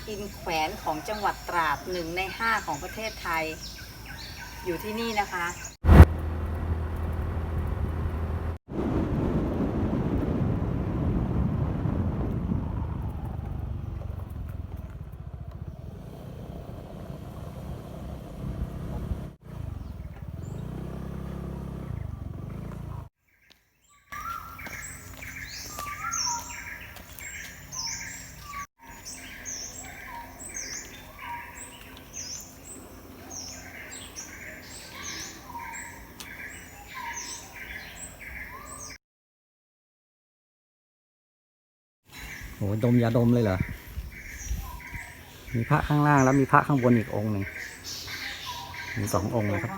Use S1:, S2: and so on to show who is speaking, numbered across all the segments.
S1: อินแขวนของจังหวัดตราด1 ใน 5ของประเทศไทยอยู่ที่นี่นะคะ
S2: โอ้ดมยาดมเลยเหรอ มีพระข้างล่างแล้วมีพระข้างบนอีกองค์หนึ่ง มี2 องค์เลยครับ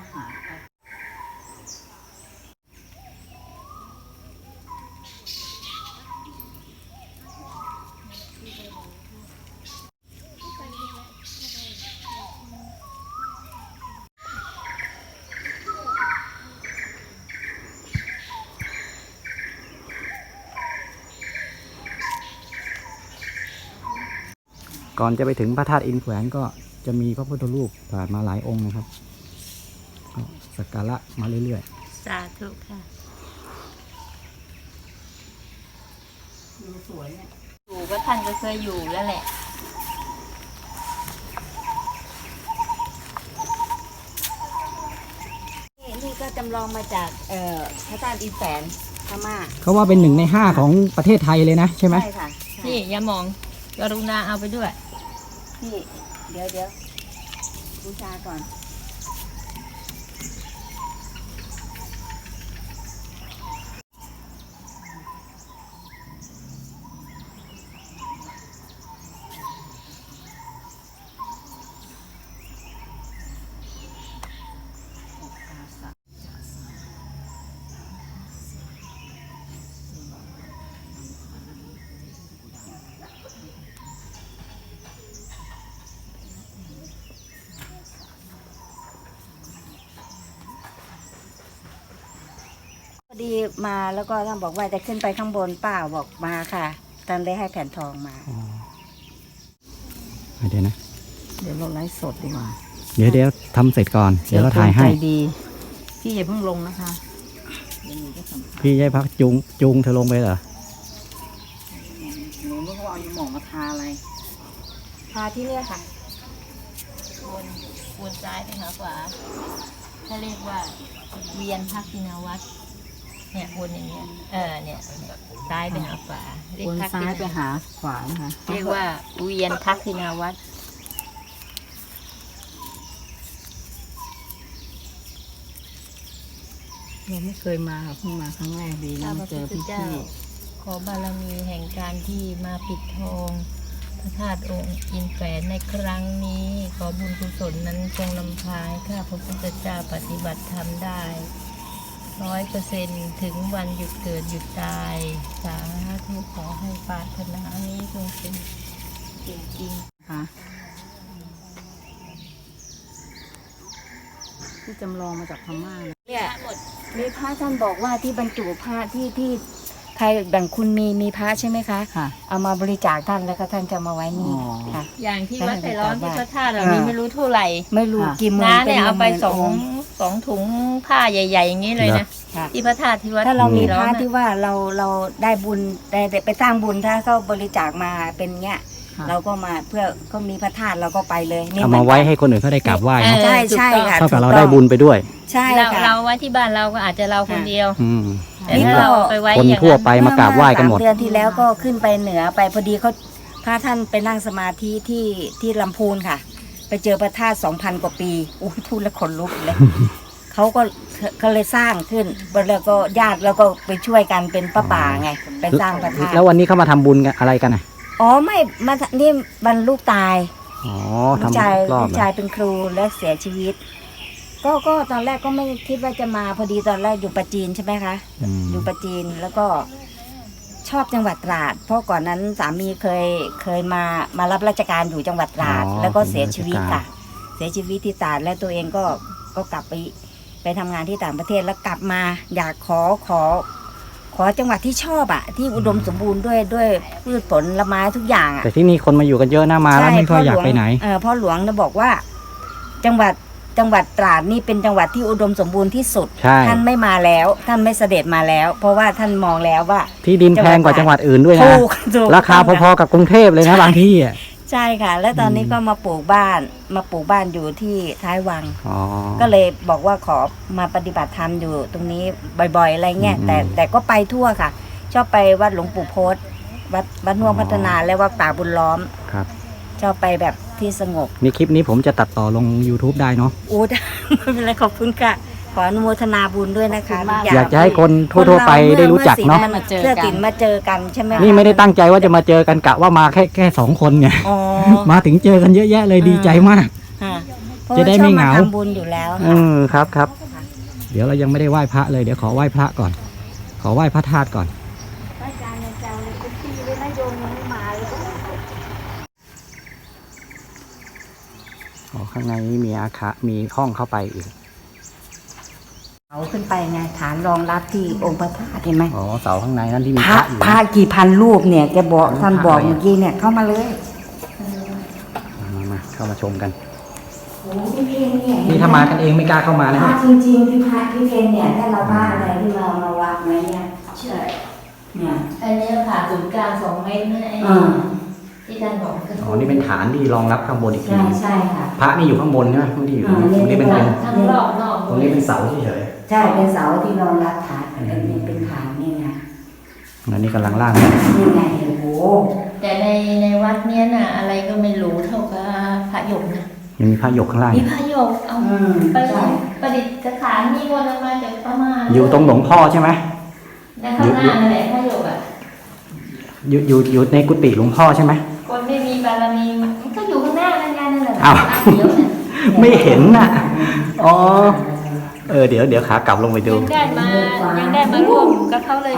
S2: ก่อนจะไปถึงพระธาตุอินแขวนก็จะมีพระพุทธรูปผ่านมาหลายองค์นะครับก็สักการะมาเรื่อย
S3: สาธุค่ะ
S1: ดูสวยเนี่ย
S3: อยู่ก็ท่านก็เคยอยู่แล้วแหละ
S1: นี่ก็จำลองมาจากพระธาตุอินแขวนพม่า
S2: ๆ เขาว่าเป็น1 ใน 5ของประเทศไทยเลยนะใช่ไหม
S1: ใช่ค่ะ
S3: นี่อย่ามองกรุณาเอาไปด้วย
S1: นี่เดี๋ยวบูชาก่อนพอดีมาแล้วก็ท่านบอกว่าจะขึ้นไปข้างบนเปล่าบอกมาค่ะท่านได้ให้แผ่นทองมา
S2: อ๋อเดี๋ยวนะ
S1: เดี๋ยวเราไลฟ์สดดีกว่า
S2: เดี๋ยวทำเสร็จก่อน เดี๋ยวเราถ่ายให้
S1: ใจดีพี่อย่าเพิ่งลงนะคะเดี๋ยวหนูจะสัมภาษณ์
S2: พี่ยายพักจูงเธอลงไปเหรอ
S1: หนูไม่รู้ว่าเอายาหมองมาทาอะไรทาที่เนี่ยค่ะ
S3: วนซ้ายไปหาขวาถ้าเรียกว่าเวียนทักษิณวัตรเนี่ยวนอย่างเงี้ยเนี่ยซ้ายไปหาขวาเรียก
S1: วน
S3: ทัก
S1: ซ้า
S3: ษิ
S1: ย
S3: ณ
S1: ไปหาขวานะคะ
S3: เรียกว่าเวียนทักษิณวัตร
S1: เราไม่เคยมาค่ะเพิ่งมาครั้งแรกดีนะ
S3: ข้าพ
S1: มา
S3: ระ
S1: เจ
S3: พุ
S1: อ
S3: ทธ
S1: พี่
S3: เจ้า ขอบารมีแห่งการที่มาปิดทองพระธาตุองค์อินแฝนในครั้งนี้ ขอบุญกุศลนั้นจงนำพาให้ข้าพระพุทธเจ้าปฏิบัติธรรมได้100%ถึงวันหยุดเกิดหยุดตาย สาธุขอให้ปรารถนานี้จงเป็นจริง
S1: ค่ะที่จำลองมาจากพม่านะเนี่ย
S3: หมด
S1: มีพระท่านบอกว่าที่บรรจุพระที่ใครแบ่งคุณมีพระใช่ไหมคะค่ะ เอามาบริจาคท่านแล้วก็ท่านจะมาไว้นี่ค่ะ
S3: อย่างที่วัดไผ่ล้อมที่พระธาตุเรา
S1: อ่ามี
S3: มีไม่รู้เท่าไหร่
S1: ไม่รู้กี่หมื่น
S3: น้าเนี่ยเอาไป
S1: หมื่น
S3: สองถุงผ้าใหญ่ ๆ อย่างนี้เลยนะ
S1: ค่ะ
S3: ที่พระธาตุที่วัด
S1: ถ้าเรามี
S3: ไผ่
S1: พ
S3: ล้อ
S1: ระ
S3: ม
S1: ที่ว่าเราได้บุญได้ไปสร้างบุญถ้าเขาบริจาคมาเป็นเงี้ย เราก็มาเพื่อเขามีพระธาตุเราก็ไปเลยนี่
S2: เอามาไว้ให้คนอื่นเขาได้กราบไหว้เนอะ
S1: ใช่ใช่ค่ะ
S2: เท่ากับ
S1: ถู
S2: เรา
S1: ต้อง
S2: ได้บุญไปด้วย
S1: ใช่
S3: เรา
S1: ค่ะ
S3: เราไว้ที่บ้านเราก็อาจจะเราคนเดียว
S2: อืม
S3: แต่ถ้าเราเอาไปไว้
S2: คน
S3: อย่าง
S2: ทั่ว
S3: นั้น
S2: ไปมากราบไหว้กันหมด
S1: 3 เดือนที่แล้วก็ขึ้นไปเหนือไปพอดีเขาพระท่านไปนั่งสมาธิที่ลำพูนค่ะ ไปเจอพระธาตุ 2,000 กว่าปีอุ้ยพูดแล้วขนลุกเลย เขาเลยสร้างขึ้นแล้วก็ญาติแล้วก็ไปช่วยกันเป็นป้าป่าไงไปสร้างพระธาตุ
S2: แล้ววันนี้เขามาทำบุญกันอะไรกันอ่ะ
S1: อ๋อไม่มานี่บรรลูกตาย
S2: อ๋อ
S1: ลูก
S2: ทำ
S1: ชาย
S2: รอ
S1: ลู
S2: บ
S1: ก
S2: เลย
S1: ชายเป็นครูแล้วเสียชีวิต ก็ตอนแรกก็ไม่คิดว่าจะมาพอดีตอนแรกอยู่ประจีนใช่ไหมคะ
S2: อืม
S1: อยู่ประจีนแล้วก็ชอบจังหวัดตราด เพราะก่อนนั้นสามีเคยมารับราชการอยู่จังหวัดตราด แล้วก็เสียชีวิตค่ะ เสียชีวิตที่ตราดแล้วตัวเองก็กลับไปทำงานที่ต่างประเทศแล้วกลับมาอยากขอขอจังหวัดที่ชอบที่อุดมสมบูรณ์ด้วยพืชผลไม้ทุกอย่าง
S2: แต่ที่นี่คนมาอยู่กันเยอะนะมาแล้วไม่ค่อยอยากไปไหน
S1: พ่อหลวงบอกว่าจังหวัดตราดนี่เป็นจังหวัดที่อุดมสมบูรณ์ที่สุดท่านไม่มาแล้วท่านไม่เสด็จมาแล้ว เพราะว่าท่านมองแล้วว่า
S2: ที่ดินแพงกว่าจังหวัดอื่นด้วยนะราคาพอๆกับกรุงเทพเลยนะบางที่
S1: ใช่ค่ะแล้วตอนนี้ก็มาปลูกบ้านอยู่ที่ท้ายวังก็เลยบอกว่าขอมาปฏิบัติธรรมอยู่ตรงนี้บ่อยๆอะไรเงี้ยแต่ก็ไปทั่วค่ะชอบไปวัดหลวงปู่โพธิ์วัดน่วงพัฒนาและวัดป่าบุญล้อม
S2: ครับ
S1: ชอบไปแบบที่สงบ
S2: นี่คลิปนี้ผมจะตัดต่อลง YouTube ได้เนาะ
S1: ไม่เป็นไรขอบคุณค่ะขออนุโมทนาบุญด้วยนะคะ
S2: อยากจะให้คนทั่วๆไปได้รู้จักเนาะ
S1: เพื่อติดมาเจอกันใช่ไหม
S2: นี่ไม่ได้ตั้งใจว่าจะมาเจอกันกะว่ามาแค่2 คนไงมาถึงเจอกันเยอะแยะเลยดีใจมากจะได้ไม่เหงา
S1: ทำบุญอยู่แล้ว
S2: ครับเดี๋ยวเรายังไม่ได้ไหว้พระเลยเดี๋ยวขอไหว้พระก่อนขอไหว้พระธาตุก่อนข้างในนี้มีอาคารมีห้องเข้าไปอีก
S1: เอาขึ้นไปไงฐานรองรับที่องค์พระธาตุเห็นไหม
S2: เสาข้างในนั้นที่มีพระอยู่
S1: พระกี่พันรูปเนี่ยแกบอกท่านบอกเมื่อกี้เนี่ยเข้ามาเลย
S2: มาเข้ามาชมกันนี่ถ้ามากันเองไม่กล้าเข้ามานะ
S1: จริงๆที่พระที่เพนเนี่ยถ้าเราบ้าอะไรที่เรามาวางไว้เนี่ยใช่เนี่ย
S3: อันนี้ผ่าศูนย์กลาง2 เมตรนะที่ท่านบอก
S2: นี่เป็นฐานที่รองรับข้างบนอีกที
S1: ใช่ค่ะ
S2: พระนี่อยู่ข้างบนใช่ไหมตรงนี้อยู่ตรงนี้เป็น
S3: ทั้งรอบนอก
S2: ตรงนี้เป็นเสาเฉย
S1: ใช่เป็นเสาที่รองรับฐานเป็นฐานนี่ไง
S2: อันนี้กำลังล่าง
S1: นี่ไงโอ้โห
S3: แต่ในวัดเนี้ยน่ะอะไรก็ไม่รู้เท่ากับพระหยกนะ
S2: ยังมีพระหยกข้างล่าง
S3: มีพระหยกเอาประดิษฐานมีวนมาจากพม่า
S2: อยู่ตรงหลวงพ่อใช่ไหม
S3: ในข้างหน้านั่นแหละพระหยก
S2: อยู่ในกุฏิหลวงพ่อใช่ไหม
S3: คนไม่มีบารมีมันก็อยู่ข้างหน้านั่นแหละ
S2: อ้าวไม่เห็นน่ะเดี๋ยวขากลับลงไปดู
S3: ยังได้มาร่วมกับเขาเลย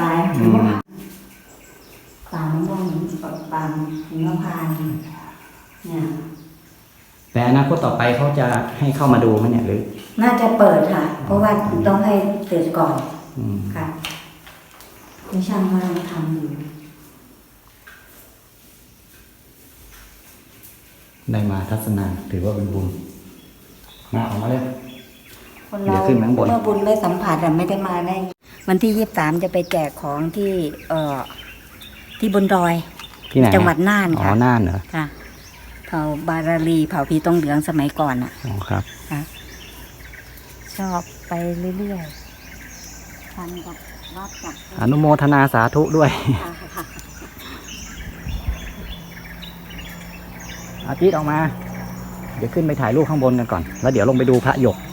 S1: ปางม่วงปางหิมพานต์เนี่ย
S2: แต่อนาคตต่อไปเขาจะให้เข้ามาดูไหมเนี่ยหรือ
S1: น่าจะเปิดค่ะเพราะว่าต้องให้เสร็จก่อนค่ะคุณช่างกำลังทำอยู่
S2: ได้มาทัศนาถือว่าเป็นบุญมาออกมาเลย
S1: คนเราเมื่อบุญไม่สัมผัสไม่ได้มาได้วันที่23จะไปแจกของที่บนดอย
S2: ที่ไหน
S1: จังหวัดน่านค่ะ
S2: น่านเหรอ
S1: ค่ะเผาบาราลีเผาผีตองเหลืองสมัยก่อน
S2: ครับ
S1: ค่ะชอบไปเรื่อยๆทันกับวัดกับ
S2: อนุโมทนาสาธุด้วยอาทิตย์ออกมาเดี๋ยวขึ้นไปถ่ายรูปข้างบนกันก่อนแล้วเดี๋ยวลงไปดูพระหยก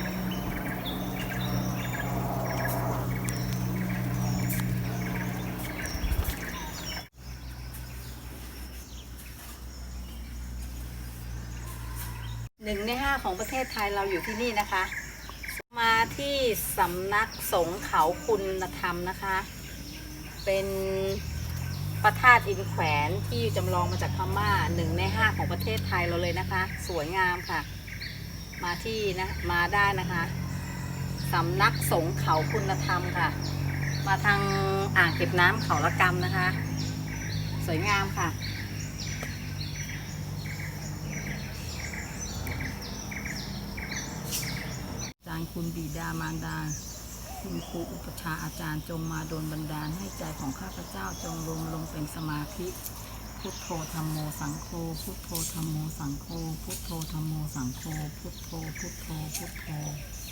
S1: 1 ใน 5ของประเทศไทยเราอยู่ที่นี่นะคะมาที่สำนักสงฆ์เขาคุณธรรมนะคะเป็นพระธาตุอินแขวนที่จำลองมาจากพม่า1 ใน 5ของประเทศไทยเราเลยนะคะสวยงามค่ะมาได้นะคะสำนักสงฆ์เขาคุณธรรมค่ะมาทางอ่างเก็บน้ำเขาละกำนะคะสวยงามค่ะคุณบิดามารดาคุณครูอุปชาอาจารย์จงมาโดนบันดาลให้ใจของข้าพเจ้าจงรวมลงเป็นสมาธิพุทโธธัมโมสังโฆพุทโธธัมโมสังโฆพุทโธธัมโมสังโฆพุทโธพุทโธพุทโธ